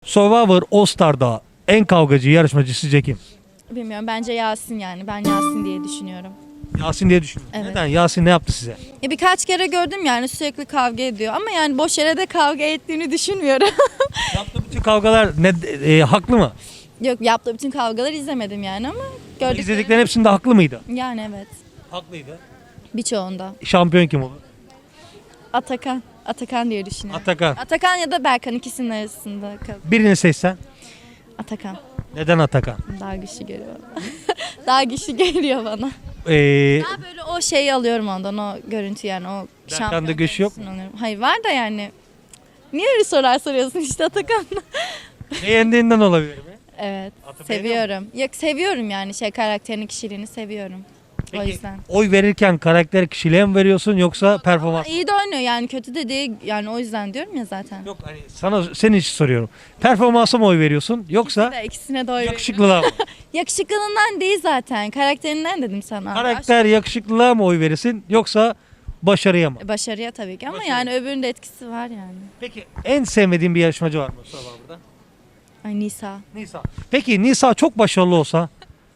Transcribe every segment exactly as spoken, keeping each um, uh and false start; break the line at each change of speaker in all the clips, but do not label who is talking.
Survivor All Star'da en kavgacı yarışmacı sizce kim?
Bilmiyorum, bence Yasin yani. Ben Yasin diye düşünüyorum.
Yasin diye düşünüyorum.
Evet.
Neden? Yasin ne yaptı size?
Ya birkaç kere gördüm yani, sürekli kavga ediyor ama yani boş yere de kavga ettiğini düşünmüyorum.
Yaptığı bütün kavgalar ne, e, haklı mı?
Yok, yaptığı bütün kavgaları izlemedim yani ama gördüklerim.
İzlediklerin hepsinde haklı mıydı?
Yani evet.
Haklıydı.
Birçoğunda.
Şampiyon kim olur?
Atakan. Atakan diye düşünüyorum.
Atakan.
Atakan ya da Berkan, ikisinin arasında kal.
Birini seçsen.
Atakan.
Neden Atakan?
Daha güçlü geliyor bana. Daha güçlü geliyor bana.
Ee,
Daha böyle o şeyi alıyorum ondan, o görüntü yani, o
Berkan'da
şampiyon
güç yok mu?
görüntüsünü alıyorum. Hayır, var da yani. Niye öyle sorular soruyorsun işte Atakan'la?
beğendiğinden olabilir mi?
Evet.
Atı
Seviyorum. Yok, seviyorum yani, şey, karakterini, kişiliğini seviyorum. O
Peki,
yüzden.
oy verirken karakter kişiliğe mi veriyorsun yoksa performans?
İyi de oynuyor yani, kötü de değil yani, o yüzden diyorum ya zaten.
Yok hani sana senin için soruyorum. Performansa mı oy veriyorsun yoksa
İkisine de, ikisine de oy veriyorum.
yakışıklılığa mı?
Yakışıklılığından değil zaten. Karakterinden dedim sana.
Karakter yakışıklılığa mı oy verirsin yoksa başarıya mı?
Baş- Başarıya tabii ki ama
Başarıya.
yani öbürünün de etkisi var yani.
Peki en sevmediğin bir yarışmacı var mı Survivor'da?
Ay, Nisa.
Nisa. Peki Nisa çok başarılı olsa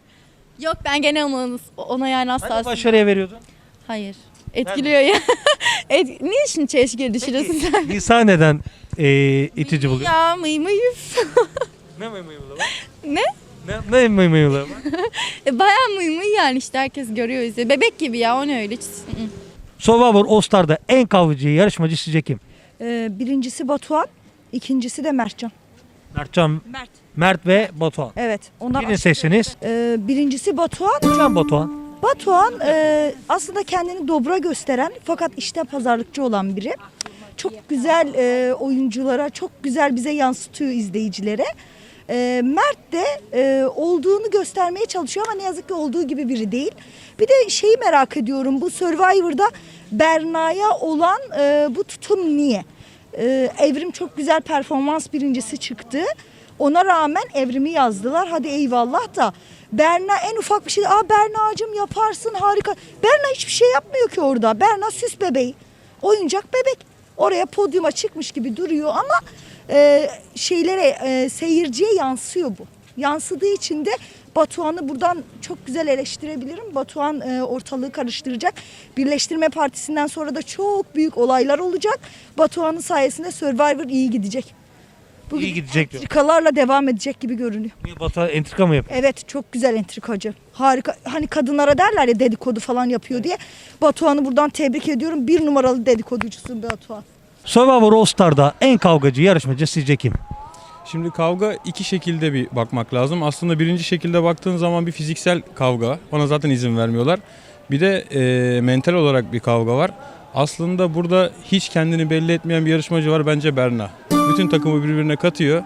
Yok, ben gene ona, ona yani asla.
hani başarıya veriyordun?
Hayır. Etkiliyor ya. Et, niye şimdi çelişkiye düşürüyorsun
Peki
sen?
Nisa neden e, itici buluyor?
Ya mıy mıy üf.
Ne mıy mıy var?
Ne?
Ne, ne mıy mıy var?
E, bayağı mıy mıy yani, işte herkes görüyor, izliyor. Bebek gibi ya, o ne öyle. Hiç- ı-ı.
Survivor All Star'da en kavgacı yarışmacı sizce kim?
Ee, birincisi Batuhan, ikincisi de Mertcan.
Mertcan,
Mert.
Mert ve Batuhan.
Evet. Onlar
Birini seçseniz.
Ee, birincisi Batuhan.
Neden Batuhan?
Batuhan e, aslında kendini dobra gösteren fakat işte pazarlıkçı olan biri. Çok güzel e, oyunculara, çok güzel bize yansıtıyor izleyicilere. E, Mert de e, olduğunu göstermeye çalışıyor ama ne yazık ki olduğu gibi biri değil. Bir de şeyi merak ediyorum, bu Survivor'da Berna'ya olan e, bu tutum niye? E, Evrim çok güzel performans birincisi çıktı. Ona rağmen Evrim'i yazdılar. Hadi eyvallah da Berna en ufak bir şey, aa Berna'cığım yaparsın harika. Berna hiçbir şey yapmıyor ki orada. Berna süs bebeği. Oyuncak bebek. Oraya podyuma çıkmış gibi duruyor ama e, şeylere e, seyirciye yansıyor bu. Yansıdığı için de Batuhan'ı buradan çok güzel eleştirebilirim. Batuhan e, ortalığı karıştıracak. Birleştirme Partisi'nden sonra da çok büyük olaylar olacak. Batuhan'ın sayesinde Survivor iyi gidecek. Bugün
İyi gidecek diyor.
entrikalarla devam edecek gibi görünüyor.
Niye Batuhan entrika mı yapıyor?
Evet, çok güzel entrikacı. Harika. Hani kadınlara derler ya dedikodu falan yapıyor diye. Batuhan'ı buradan tebrik ediyorum. Bir numaralı dedikoducusun Batuhan.
Survivor All Star'da en kavgacı yarışmacı sizce kim?
Şimdi kavga iki şekilde bir bakmak lazım. Aslında birinci şekilde baktığın zaman bir fiziksel kavga. Ona zaten izin vermiyorlar. Bir de e, mental olarak bir kavga var. Aslında burada hiç kendini belli etmeyen bir yarışmacı var, bence Berna. Bütün takımı birbirine katıyor.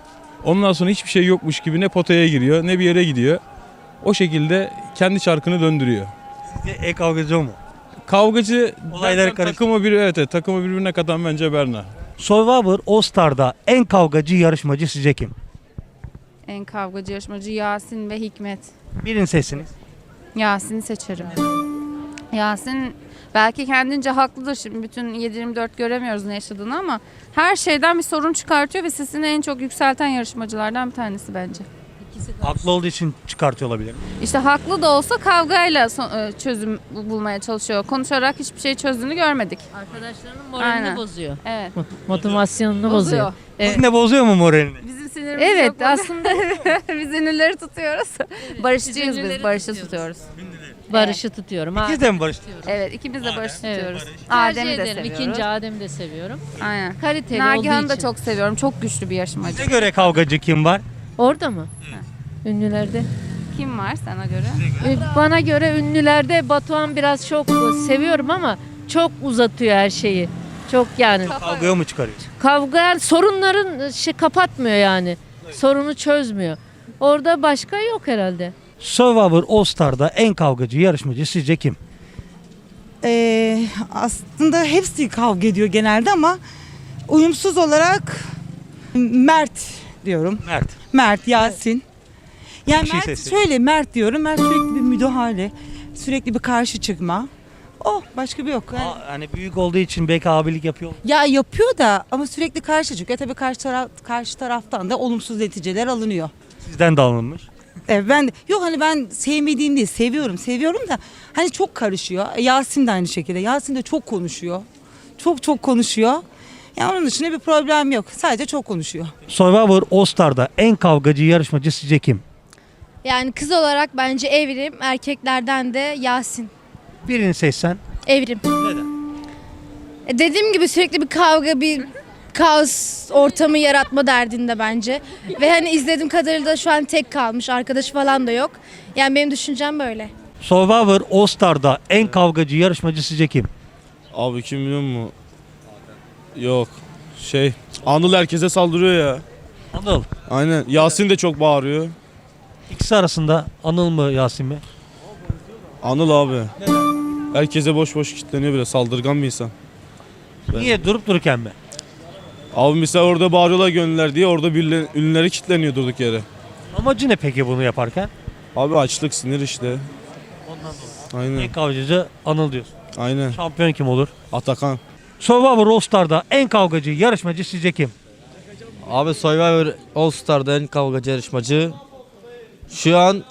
Ondan sonra hiçbir şey yokmuş gibi ne potaya giriyor ne bir yere gidiyor. O şekilde kendi çarkını döndürüyor.
Sizce en kavgacı o mu?
Kavgacı
Olayları
derken
karıştı.
takımı bir evet, evet takımı birbirine katan bence Berna.
Survivor All Star'da en kavgacı yarışmacı sizce kim?
En kavgacı yarışmacı Yasin ve Hikmet.
Birini seçsiniz.
Yasin'i seçerim. Yasin belki kendince haklıdır, şimdi bütün yedi yirmi dört göremiyoruz ne yaşadığını ama her şeyden bir sorun çıkartıyor ve sesini en çok yükselten yarışmacılardan bir tanesi bence.
Haklı olduğu için çıkartıyor olabilir.
İşte haklı da olsa kavgayla so- e, çözüm bu- bulmaya çalışıyor. Konuşarak hiçbir şey çözdüğünü görmedik.
Arkadaşlarının moralini
Aynen.
bozuyor.
Evet.
Motivasyonunu bozuyor.
Bozuyor.
Evet.
Sizin de bozuyor mu moralini?
Bizim sinirimiz
Evet,
çok bozuyor.
aslında
Biz ünlüleri tutuyoruz. Barışçıyız
biz
biz,
ünlüleri
barışı
tutuyoruz.
tutuyoruz.
Barış'ı tutuyorum. Ha,
İkiniz de mi barış?
Evet, ikimiz de barışı
Evet.
tutuyoruz.
tercih
Adem'i de
ederim.
seviyoruz.
İkinci Adem'i de seviyorum.
Aynen.
Kaliteli
Nagihan'ı
olduğu
da
için.
çok seviyorum. Çok güçlü bir yarışmacı.
Size göre kavgacı kim var?
Orada mı? Ünlülerde.
Kim var sana göre?
Ee, Bana göre ünlülerde Batuhan biraz çok seviyorum ama çok uzatıyor her şeyi. Çok yani.
Kavgaya mı çıkarıyor?
Kavga sorunların şey kapatmıyor yani. Sorunu çözmüyor. Orada başka yok herhalde.
Survivor All Star'da en kavgacı yarışmacı sizce kim?
Ee, aslında hepsi kavga ediyor genelde ama uyumsuz olarak Mert diyorum.
Mert.
Mert, Yasin. Yani
Bir şey
Mert
sesi.
şöyle Mert diyorum. Mert sürekli bir müdahale, sürekli bir karşı çıkma. O başka bir yok. Yani,
Aa, hani büyük olduğu için belki abilik yapıyor.
ya yapıyor da ama sürekli karşı çıkıyor. Tabii karşı taraf karşı taraftan da olumsuz neticeler alınıyor.
Sizden de alınmış.
Evet, ben de, yok hani ben sevmediğim değil, seviyorum seviyorum da hani çok karışıyor. E, Yasin de aynı şekilde. Yasin de çok konuşuyor. Çok çok konuşuyor. Yani onun dışında bir problem yok. Sadece çok konuşuyor.
Survivor All Star'da en kavgacı yarışmacı sizce kim?
Yani kız olarak bence Evrim, erkeklerden de Yasin.
Birini seçsen.
Evrim. Neden? Dediğim gibi sürekli bir kavga, bir kaos ortamı yaratma derdinde bence. Ve hani izlediğim kadarıyla da şu an tek kalmış, arkadaşı falan da yok. Yani benim düşüncem böyle.
Survivor All Star'da en kavgacı yarışmacı sizce kim?
Abi kim biliyor musun? Yok. Şey, Anıl herkese saldırıyor ya.
Anıl.
Aynen. Yasin de çok bağırıyor.
İkisi arasında Anıl mı Yasin mi?
Anıl abi. Herkese boş boş kilitleniyor bile. Saldırgan bir insan.
Niye durup dururken mi?
Abi mesela orada bağırıyorlar gönüller diye orada birileri, ünlüleri kilitleniyor durduk yere.
Amacı ne peki bunu yaparken?
Abi açlık, sinir işte.
Ondan dolayı.
Aynen.
En kavgacı Anıl diyorsun.
Aynen.
Şampiyon kim olur?
Atakan.
Survivor All Star'da en kavgacı yarışmacı sizce kim?
Abi Survivor All Star'da en kavgacı yarışmacı şu an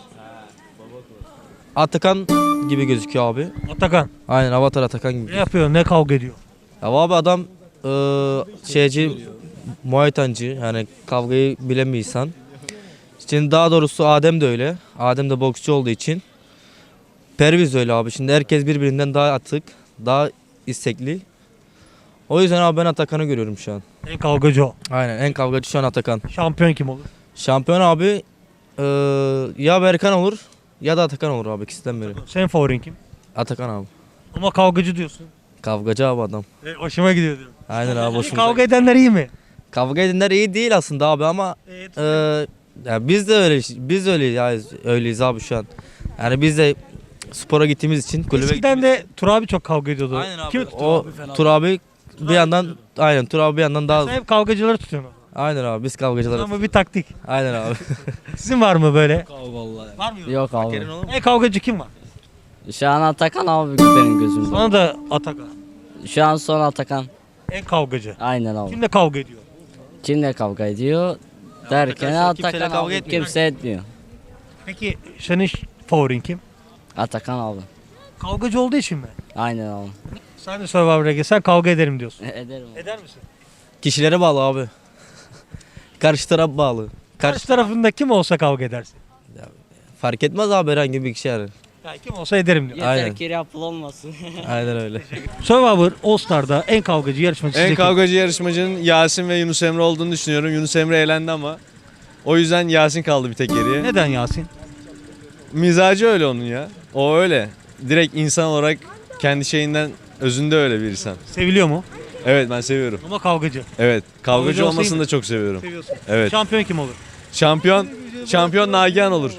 Atakan gibi gözüküyor abi.
Atakan.
Aynen Avatar Atakan gibi.
Ne yapıyor? Ne kavga ediyor?
Ya abi adam eee şeyci, Muay Thai'ci, yani kavgayı bilen bir insan. Şimdi daha doğrusu Adem de öyle. Adem de boksçu olduğu için. Perviz öyle abi. Şimdi herkes birbirinden daha atık, daha istekli. O yüzden abi ben Atakan'ı görüyorum şu an.
En kavgacı o.
Aynen en kavgacı şu an Atakan.
Şampiyon kim olur?
Şampiyon abi eee, ya Berkan olur ya da Atakan olur abi, ikisinden biri.
Senin favorin kim?
Atakan abi.
Ama kavgacı diyorsun.
Kavgacı abi adam.
E, hoşuma gidiyor diyorum.
Aynen abi hoşumuza.
Kavga edenler iyi mi?
Kavga edenler iyi değil aslında abi ama
Evet.
eee, ya biz de öyle biz de öyleyiz, ya, öyleyiz abi şu an. Yani biz de spora gittiğimiz için kulübe
Eskiden de Tur abi çok kavga ediyordu.
Aynen abi.
Kim?
O Tur abi bir yandan aynen Tur abi bir yandan daha
Sen hep kavgacıları tutuyorsun.
aynen abi biz kavgacılarız.
Ama bir taktik.
Aynen abi.
Sizin var mı böyle? Var mı?
Yok abi.
En kavgacı kim var?
Şu an Atakan abi benim gözümde.
Sana da Atakan.
Şu an son Atakan.
En kavgacı.
Aynen abi.
Kimle kavga ediyor?
Kimle kavga ediyor? Derken
arkadaşlar kimseyle
Atakan
kavga
abi.
etmiyor.
Kimse etmiyor.
Peki senin favorin kim?
Atakan abi.
Kavgacı olduğu için mi?
Aynen abi.
Sen de Survivor'a gelsen kavga ederim diyorsun.
Ederim abi.
Eder misin?
Kişilere bağlı abi. Karşı taraf bağlı.
Karşı
Karşı
tarafında kim olsa kavga edersin.
fark etmez abi herhangi bir kişi yani.
Yani kim olsa ederim diyor.
Yeter
Aynen.
ki yapıl olmasın.
Aynen öyle.
Survivor All Star'da en kavgacı yarışmacı
En
sizce kim?
kavgacı yarışmacının Yasin ve Yunus Emre olduğunu düşünüyorum. Yunus Emre eğlendi ama o yüzden Yasin kaldı bir tek geriye.
Neden Yasin?
Mizacı öyle onun ya. O öyle. Direkt insan olarak kendi şeyinden özünde öyle bir insan.
Seviliyor mu?
Evet ben seviyorum.
Ama kavgacı.
Evet. Kavgacı
Kavgacı olsa
olmasını
iyi
da çok seviyorum.
Seviyorsun.
Evet.
Şampiyon kim olur?
Şampiyon şampiyon Nagihan olur.